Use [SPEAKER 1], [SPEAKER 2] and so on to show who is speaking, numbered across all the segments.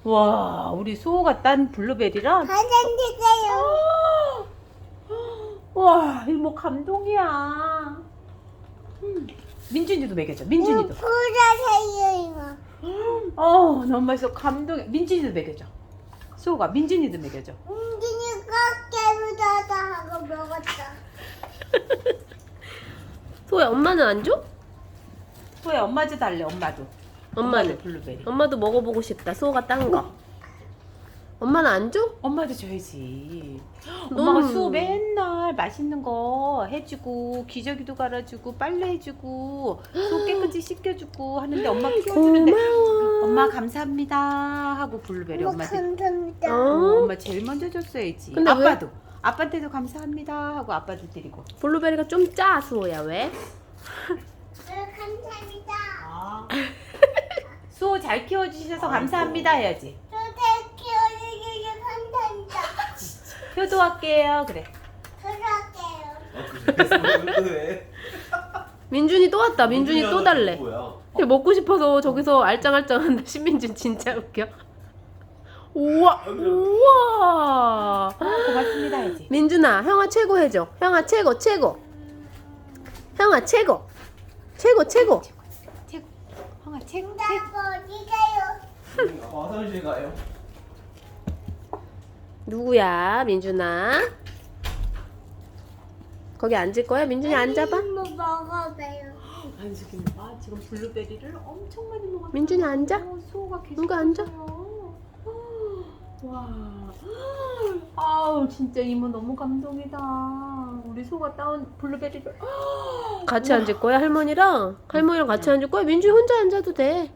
[SPEAKER 1] 와, 우리 수호가 딴 블루베리랑.
[SPEAKER 2] 가장 주세요.
[SPEAKER 1] 와, 이거 뭐 감동이야. 민준이도 먹여줘. 민준이도.
[SPEAKER 2] 보라세요 이거.
[SPEAKER 1] 너무 맛있어. 감동이야. 민준이도 먹여줘. 수호가 민준이도 먹여줘.
[SPEAKER 2] 은진이가 깨부자다 하고 먹었다.
[SPEAKER 3] 소야, 엄마는 안 줘?
[SPEAKER 1] 수호야, 엄마도 달래. 엄마도.
[SPEAKER 3] 엄마는?
[SPEAKER 1] 블루베리.
[SPEAKER 3] 엄마도 먹어보고 싶다. 소가 딴 거. 엄마는 안 줘?
[SPEAKER 1] 엄마도 줘야지.
[SPEAKER 3] 너무-
[SPEAKER 1] 엄마가 수호 맨날 맛있는 거 해주고 기저귀도 갈아주고 빨래 해주고 수호 깨끗이 씻겨주고 하는데 엄마 키워주는데
[SPEAKER 3] 고마워.
[SPEAKER 1] 엄마 감사합니다 하고 블루베리
[SPEAKER 2] 엄마
[SPEAKER 1] 엄마한테
[SPEAKER 2] 감사합니다.
[SPEAKER 1] 엄마 제일 먼저 줬어야지.
[SPEAKER 3] 근데 왜?
[SPEAKER 1] 아빠도 아빠한테도 감사합니다 하고 아빠도 드리고.
[SPEAKER 3] 블루베리가 좀 짜, 수호야. 왜?
[SPEAKER 2] 감사합니다.
[SPEAKER 1] 수호 잘 키워주셔서 감사합니다 해야지.
[SPEAKER 2] 저잘 키워주셔서 감사합니다.
[SPEAKER 1] 효도할게요. 그래.
[SPEAKER 2] 들어갈게요.
[SPEAKER 4] 왜?
[SPEAKER 3] 민준이 또 왔다. 민준이 또 달래.
[SPEAKER 4] 뭐야?
[SPEAKER 3] 걔 먹고 싶어서 저기서 알짱알짱한다. 신민준 진짜 웃겨. 우와, 우와.
[SPEAKER 1] 고맙습니다 해야지.
[SPEAKER 3] 민준아, 형아 최고 해줘. 형아 최고, 최고. 형아 최고. 최고, 최고.
[SPEAKER 1] 최고. 형아 최고.
[SPEAKER 2] 나 어디 가요?
[SPEAKER 4] 화장실 가요.
[SPEAKER 3] 누구야, 민준아? 거기 앉을 거야? 민준이 앉아봐.
[SPEAKER 2] 뭐 먹어봐요.
[SPEAKER 1] 안수기는 봐. 지금 블루베리를 엄청 많이 먹었어.
[SPEAKER 3] 민준이 앉아.
[SPEAKER 1] 수호가 계속
[SPEAKER 3] 누가 앉아?
[SPEAKER 1] 먹어요. 와. 아우 진짜 이모 너무 감동이다. 우리 소가 따온 블루베리를.
[SPEAKER 3] 같이 앉을 거야, 할머니랑? 할머니랑 같이 앉을 거야? 민준이 혼자 앉아도 돼.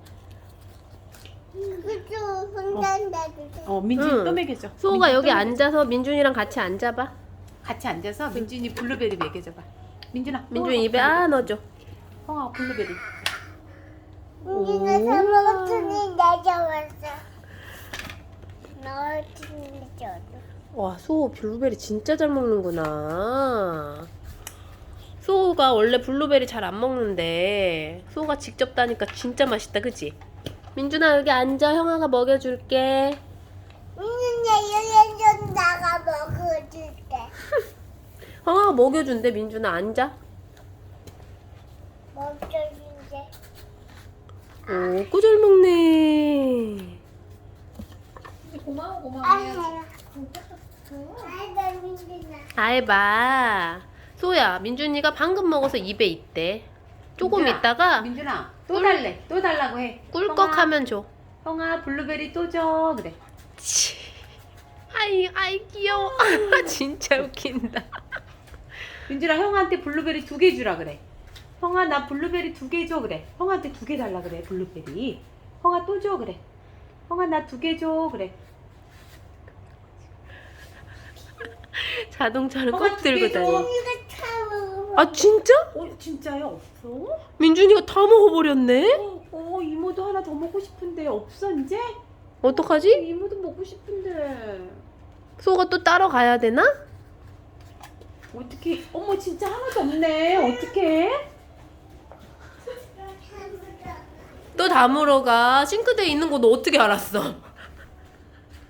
[SPEAKER 2] 그쪽 혼자 앉아주세요.
[SPEAKER 1] 민준이
[SPEAKER 3] 응.
[SPEAKER 1] 또 먹여줘.
[SPEAKER 3] 수호가
[SPEAKER 1] 민준이
[SPEAKER 3] 여기
[SPEAKER 1] 또 먹여줘.
[SPEAKER 3] 앉아서 민준이랑 같이 앉아봐.
[SPEAKER 1] 같이 앉아서 민준이 블루베리 먹여줘봐. 민준아.
[SPEAKER 3] 민준이 입에 아 넣어줘.
[SPEAKER 1] 형아 블루베리.
[SPEAKER 2] 은진아 다 먹었으니 내려왔어. 넣었으니 저도.
[SPEAKER 3] 와, 수호 블루베리 진짜 잘 먹는구나. 수호가 원래 블루베리 잘 안 먹는데 수호가 직접 따니까 진짜 맛있다, 그치? 민준아, 여기 앉아. 형아가 먹여줄게.
[SPEAKER 2] 은진아 연연 나가 먹어줄게.
[SPEAKER 3] 형아가 먹여준대. 민준아, 앉아.
[SPEAKER 2] 먹어줄게.
[SPEAKER 3] 오, 꾸잘 먹네.
[SPEAKER 1] 고마워
[SPEAKER 2] 아유. 아이고 민진아.
[SPEAKER 3] 아이봐. 소야, 민준이가 방금 먹어서 입에 있대. 조금
[SPEAKER 1] 민준아,
[SPEAKER 3] 있다가
[SPEAKER 1] 민준아 또 달래. 또 달라고 해.
[SPEAKER 3] 꿀꺽하면 줘.
[SPEAKER 1] 형아 블루베리 또 줘. 그래.
[SPEAKER 3] 치. 아이 귀여워. 진짜 웃긴다.
[SPEAKER 1] 민준아 형한테 블루베리 2개 주라 그래. 형아 나 블루베리 2개 줘 그래. 형한테 2개 달라 그래 블루베리. 형아 또 줘 그래. 형아 나 2개 줘 그래.
[SPEAKER 3] 자동차를
[SPEAKER 1] 형아,
[SPEAKER 3] 꼭 들고
[SPEAKER 1] 두 개 줘.
[SPEAKER 3] 다니.
[SPEAKER 2] 이거 참.
[SPEAKER 3] 아, 진짜?
[SPEAKER 1] 진짜요? 없어?
[SPEAKER 3] 민준이가 다 먹어버렸네?
[SPEAKER 1] 이모도 하나 더 먹고 싶은데 없어 이제?
[SPEAKER 3] 어떡하지?
[SPEAKER 1] 이모도 먹고 싶은데
[SPEAKER 3] 소가 또 따러 가야 되나?
[SPEAKER 1] 어떻게? 어머 진짜 하나도 없네. 어떡해?
[SPEAKER 3] 또 다물어 가. 싱크대에 있는 거 너 어떻게 알았어?